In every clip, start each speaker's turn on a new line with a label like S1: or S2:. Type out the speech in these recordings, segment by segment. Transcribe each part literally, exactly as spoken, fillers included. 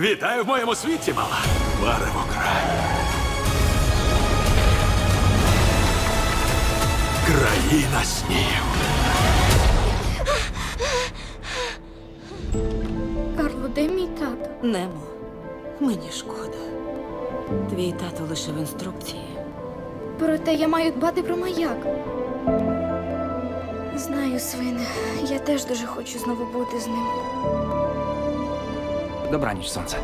S1: Вітаю в моєму світі, мала. Марево край. Країна снів.
S2: Карло, де мій тато?
S3: Немо, мені шкода. Твій тато лише в інструкції.
S2: Проте я маю дбати про маяк. Знаю, свине, я теж дуже хочу знову бути з ним.
S4: Добраніч, сонце.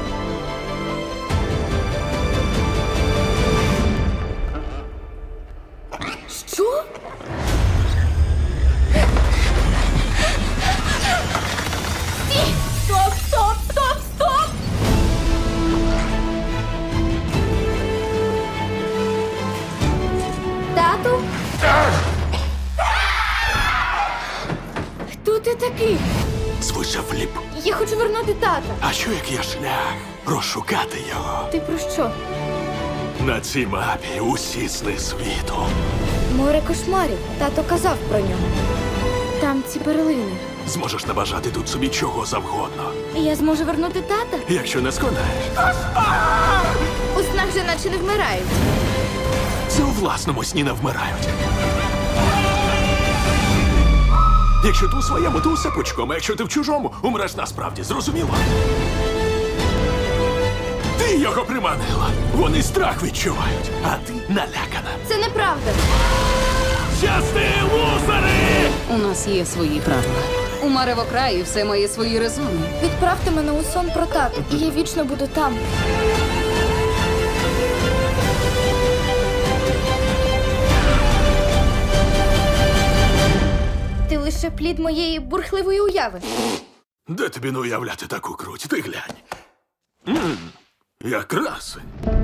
S2: Що? Стій! Стоп, стоп, стоп, стоп! Тату? Хто ти такий?
S1: Звуча Фліп.
S2: Я хочу вернути тата.
S1: А що як є шлях? Розшукати його.
S2: Ти про що?
S1: На цій мапі усі сни світу.
S2: Море кошмарів. Тато казав про нього. Там ці перлини.
S1: Зможеш набажати тут собі чого завгодно.
S2: І я зможу вернути тата?
S1: Якщо не сконаєш.
S2: У снах же наче не вмирають.
S1: Це у власному сні не вмирають. Якщо ти у своєму, то усе пучком, а якщо ти в чужому, умреш насправді, зрозуміло? Ти його приманила. Вони страх відчувають, а ти налякана.
S2: Це неправда.
S1: Щасти, лузери!
S3: У нас є свої правила. У Маревокраї все має свої резони.
S2: Відправте мене у сон про тату, і я вічно буду там. Ти лише плід моєї бурхливої уяви.
S1: Де тобі не уявляти таку круть? Ти глянь. М, як красень.